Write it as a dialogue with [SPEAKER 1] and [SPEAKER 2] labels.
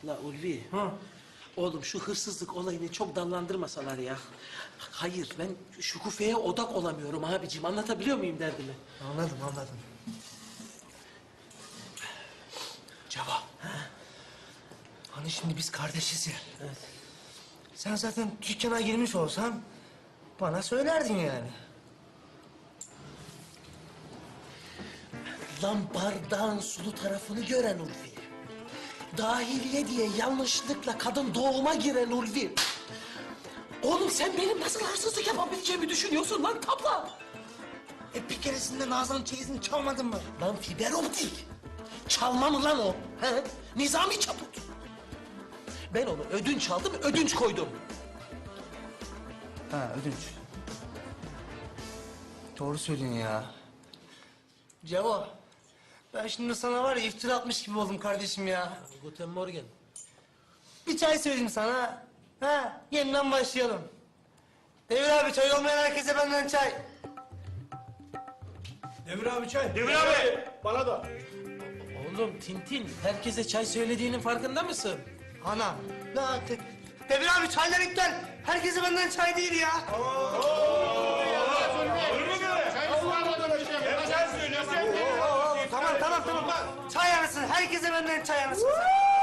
[SPEAKER 1] La Ulvi.
[SPEAKER 2] Hı.
[SPEAKER 1] Oğlum şu hırsızlık olayını çok dallandırmasalar ya. Hayır ben Şükufe'ye odak olamıyorum abiciğim. Anlatabiliyor muyum derdimi?
[SPEAKER 2] Anladım, anladım. Ceva. Hani şimdi biz kardeşiz ya.
[SPEAKER 1] Evet.
[SPEAKER 2] Sen zaten dükkana girmiş olsan bana söylerdin yani.
[SPEAKER 1] Lan bardağın sulu tarafını gören Ulvi. Dahiliye diye yanlışlıkla kadın doğuma giren Ulvi. Oğlum sen benim nasıl hırsızlık yapabileceğimi düşünüyorsun lan tabla?
[SPEAKER 2] Bir keresinde Nazan'ın çeyizini çalmadın mı?
[SPEAKER 1] Lan fiber optik. Çalma mı lan o? He? Nizami çaput. Ben onu ödünç aldım, ödünç koydum.
[SPEAKER 2] Ha, ödünç. Doğru söylüyorsun ya. Ceva, ben şimdi sana var ya iftira atmış gibi oldum kardeşim ya.
[SPEAKER 1] Guten Morgen.
[SPEAKER 2] Bir çay söyleyeyim sana. Ha, yeniden başlayalım. Devir abi, çay olmayan herkese benden çay.
[SPEAKER 3] Demir abi çay.
[SPEAKER 4] Demir abi, bana da.
[SPEAKER 1] Oğlum Tintin, herkese çay söylediğinin farkında mısın?
[SPEAKER 2] Ana, Devir abi çaylar iptal. Herkese benden çay değil ya.
[SPEAKER 4] Olur mu böyle? Hem sen söylüyorsun hem de...
[SPEAKER 2] Tamam. Çay anasın, herkese benden çay anasın.